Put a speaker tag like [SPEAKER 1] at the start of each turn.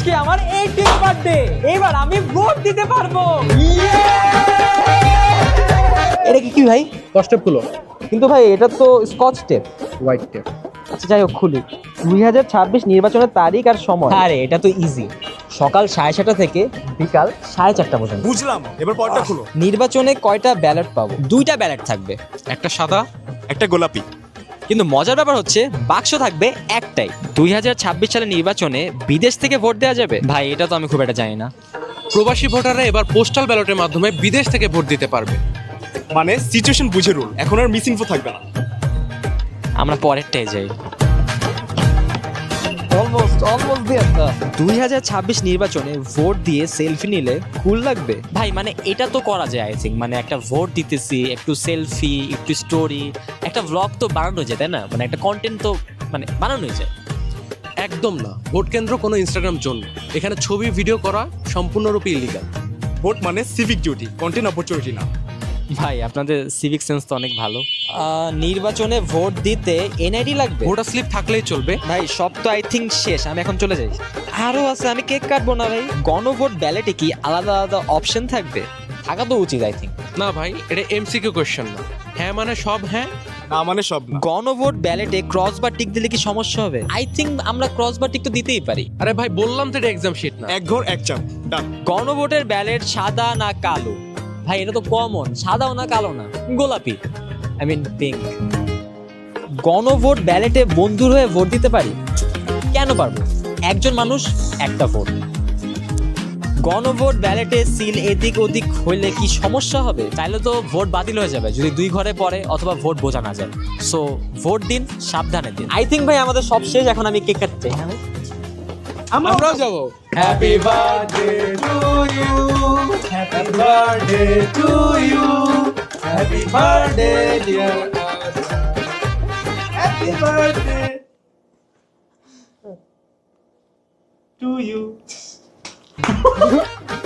[SPEAKER 1] আজকে আমার 18th birthday, এবার আমি ভোট দিতে পারবো। এটা কি ভাই?
[SPEAKER 2] 10 স্টেপ গুলো
[SPEAKER 1] কিন্তু ভাই এটা তো স্কচ টেপ।
[SPEAKER 2] White tape.
[SPEAKER 1] আচ্ছা যাই হোক, খুলি। 2026 নির্বাচনের তারিখ আর সময়। আরে এটা তো ইজি, সকাল 7:30 থেকে বিকাল 4:30 পর্যন্ত।
[SPEAKER 3] বুঝলাম, এবার পরটা খুলো।
[SPEAKER 1] নির্বাচনে কয়টা ব্যালট পাবো? 2টা ব্যালট থাকবে,
[SPEAKER 3] একটা সাদা, একটা গোলাপি।
[SPEAKER 1] কিন্তু মজার ব্যাপার হচ্ছে বাক্স থাকবে একটাই। 2026 সালের নির্বাচনে বিদেশ থেকে ভোট দেওয়া যাবে? ভাই এটা তো আমি খুব একটা জানি না।
[SPEAKER 4] প্রবাসী ভোটাররা এবার পোস্টাল ব্যালটের মাধ্যমে বিদেশ থেকে ভোট দিতে পারবে।
[SPEAKER 3] মানে সিচুয়েশন বুঝে রুল, এখন আর মিস ইনফো থাকবে না।
[SPEAKER 1] আমরা পরেরটাই যাই। অলমোস্ট দিয়েছে। 2026 নির্বাচনে ভোট দিয়ে সেলফি নিলে কুল লাগবে? ভাই মানে এটা তো করা যায় আই থিঙ্ক, মানে একটা ভোট দিতেছি, একটু সেলফি, একটু স্টোরি, একটা ব্লগ তো বানানো যায়, তাই না? মানে একটা কন্টেন্ট তো মানে বানানোই যায়।
[SPEAKER 4] একদম না, ভোট কেন্দ্র কোনো ইনস্টাগ্রাম জোন না। এখানে ছবি ভিডিও করা সম্পূর্ণরূপে ইলিগাল।
[SPEAKER 3] ভোট মানে সিভিক ডিউটি, কন্টেন্ট অপরচুনিটি না।
[SPEAKER 1] ভাই আপনাদের সিভিক সেন্স তো অনেক ভালো। নির্বাচনে ভোট দিতে এনআইডি লাগবে?
[SPEAKER 4] ভোটার স্লিপ থাকলেই চলবে।
[SPEAKER 1] ভাই সব তো আই থিঙ্ক শেষ, আমি এখন চলে যাই। আরো আছে, আমি কেক কাটবো না ভাই। গণভোট ব্যালেটে কি আলাদা আলাদা অপশন থাকবে? থাকা তো উচিত আই থিঙ্ক।
[SPEAKER 4] না ভাই, এটা এমসিকিউ কোশ্চেন না। হ্যাঁ মানে সব হ্যাঁ,
[SPEAKER 3] না মানে সব না।
[SPEAKER 1] গণভোট ব্যালেটে ক্রস বা টিক দিলে কি সমস্যা হবে? আই থিঙ্ক আমরা ক্রস বা টিক তো দিতেই পারি।
[SPEAKER 4] আরে ভাই বললাম তো এটা এক্সাম শিট না।
[SPEAKER 3] এক ঘর এক চাপ, ডান।
[SPEAKER 1] গণভোটের ব্যালেট সাদা না কালো? ভাই এটা তো কমন, সাদাও না কালো না, গোলাপি, আই মিন পিঙ্ক। গণভোট ব্যালেটে বন্ধুর হয়ে ভোট দিতে পারি? কেন পারবো? একজন মানুষ একটা ভোট। গণভোট ব্যালেটে সিল এদিক ওদিক হইলে কি সমস্যা হবে? তাইলে তো ভোট বাতিল হয়ে যাবে যদি 2 ঘরে পড়ে অথবা ভোট বোঝা না যায়। সো ভোট দিন, সাবধানে দিন। আই থিঙ্ক ভাই আমাদের সব শেষ, এখন আমি কেক কাটতে চাই। হ্যাঁ
[SPEAKER 4] আমরাও যাবো।
[SPEAKER 1] Happy birthday to you, happy birthday to you, happy birthday dear happy birthday to you.